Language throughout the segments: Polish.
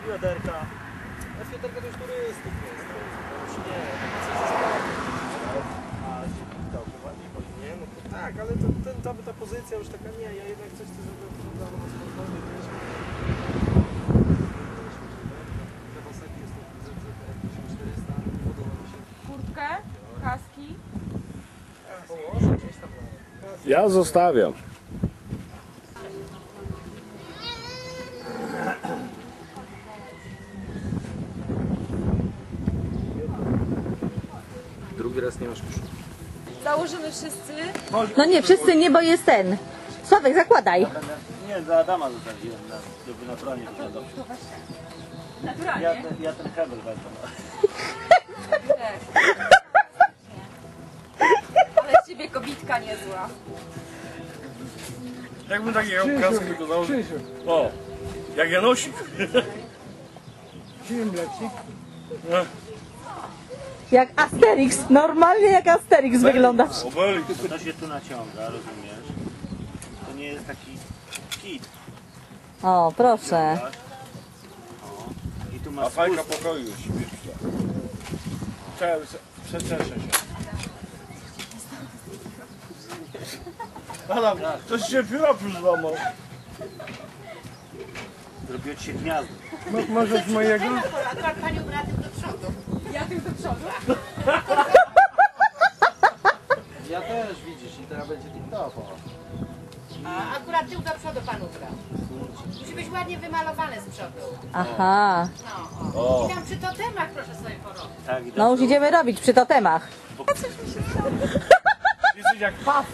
Fioderka. A Fioderka to już turystyk jest. Już nie, a Zielika ładnie chodzi, nie? No to tak, ale ta pozycja już taka nie, ja jednak coś chcę, żeby wyglądało na sportowy, wiesz. Kawasaki jest to ZZR 1400, podoba mi się. Kurtkę, kaski. Położę gdzieś tam. Ja zostawiam. Drugi raz nie masz kuszu. Założymy wszyscy. No nie, wszyscy nie, bo jest ten. Sławek, zakładaj. Nie, dla Adama zostawiłem, żeby naturalnie wyglądał. Naturalnie. Ja ten hebel wezmę. Ale z ciebie kobitka niezła. Jakbym takiego kasku tylko założył. O, jak Janosik. Jak Asterix, normalnie jak Asterix wyglądasz. Obelix. To się tu naciąga, rozumiesz? To nie jest taki kit. O, proszę. O. I tu A masz fajka spust. pokoju śmieszna. Przeczeszę się. Adam, coś się pióra przyzłamał. Zrobiło ci się gniazdo. Możesz mojego? Ja tym do przodu. Ja też widzisz i teraz będzie TikTok. A akurat tył do przodu pan ubrał. Musi być ładnie wymalowany z przodu. Aha. I tam przy totemach proszę sobie porobić. Tak, No już idziemy robić przy totemach. Jesteś jak paw.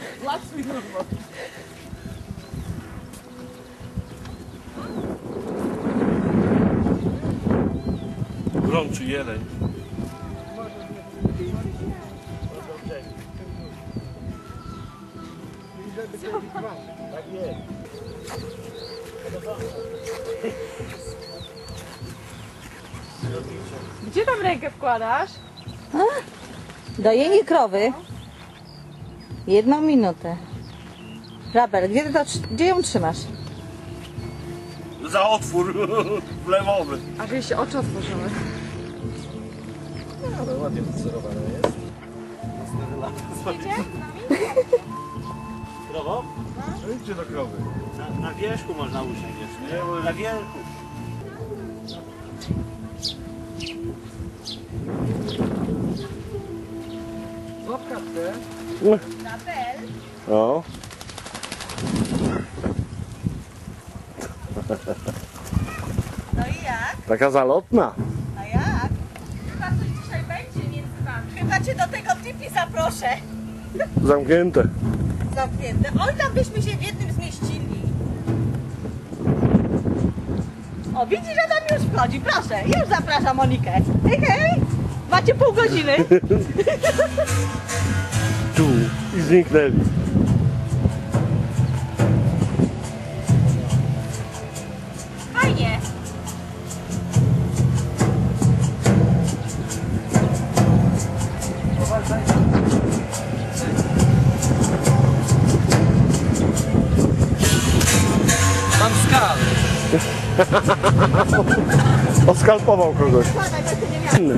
Grączy jeleń. Tak jest. Gdzie tam rękę wkładasz? Dojenie krowy. 1 minutę. Rabel, gdzie ją trzymasz? Za otwór wlewowy. A że się oczy otworzyły. No, ale ładnie wycerowane jest. Krowo? Idźcie do krowy. Na wierzchu można usiąść. Nie, na wierzchu. Łapka te. O. No i jak? Taka zalotna. A jak? Chyba coś dzisiaj będzie między wami. Chyba cię do tego tipi zaproszę. Zamknięte. Zamknięte. Oj, tam byśmy się w jednym zmieścili. O, widzisz, że tam już wchodzi. Proszę, już zapraszam Monikę. Hej, hej. Macie pół godziny. Tu. I zniknęli. Fajnie. Mam skal. Oskalpował kogoś. Inny.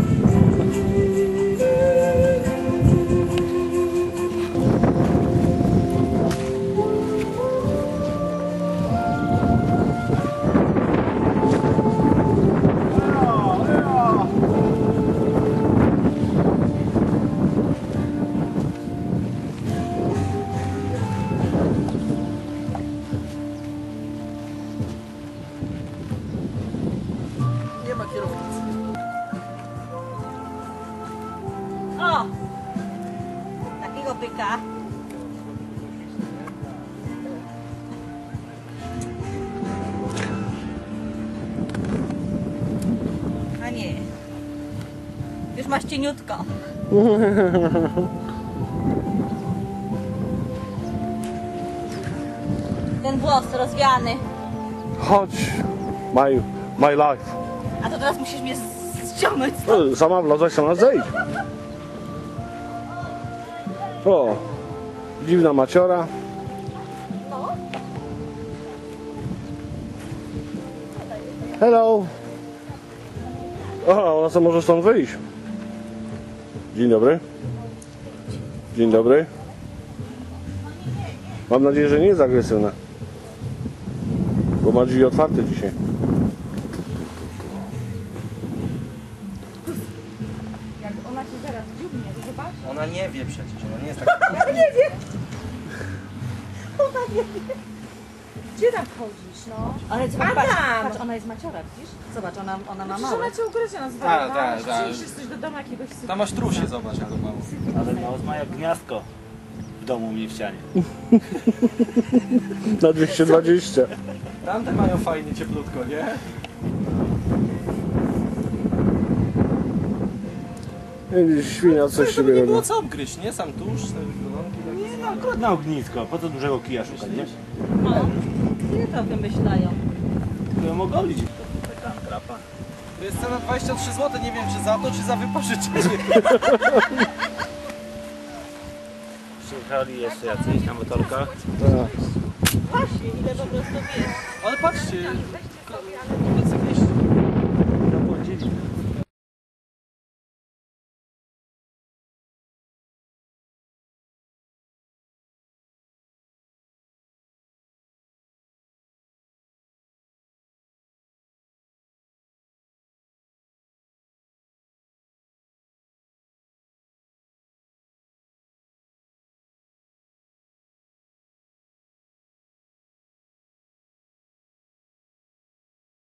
Nie ma kierownicy. O! Takiego byka. A nie. Już masz cieniutko. Ten włos rozwiany. Chodź. My life. A to teraz musisz mnie ściągnąć. No, sama wlazłaś, sama zejdź. O. Dziwna maciora. Hello. Aha, ona sobie może stąd wyjść. Dzień dobry. Dzień dobry. Mam nadzieję, że nie jest agresywna. Bo ma drzwi otwarte dzisiaj. Jak ona cię zaraz dziubnie, to zobacz. Ona nie wie przecież, ona nie jest taka... Gdzie tam chodzisz, no? Ale zobacz, Adam! patrz, ona jest maciora, widzisz? Zobacz, ona ma Przecież małe. ona cię ugryziona z Tak, tak, tak. Przyjdziesz coś do domu jakiegoś sypa. Tam masz trusie, zobacz jaką mało. Ale no, ma jak gniazdko w domu u mnie w ścianie. Na 220. Tamte mają fajnie cieplutko, nie? Świnia coś To siebie nie robi. było co obgryźć, nie? Sam tusz, te golonki. Nie no, akurat na ognisko. Po co dużego kija szukać, nie? No, nie to wymyślają. Tylko ją ogolić. Taka trapa. To jest cena 23 zł, nie wiem czy za to, czy za wypożyczenie. Przyjechali jeszcze jacyś na motorkach. Właśnie, ile po prostu wiesz. Ale patrzcie, motocykliści. Zapłacili.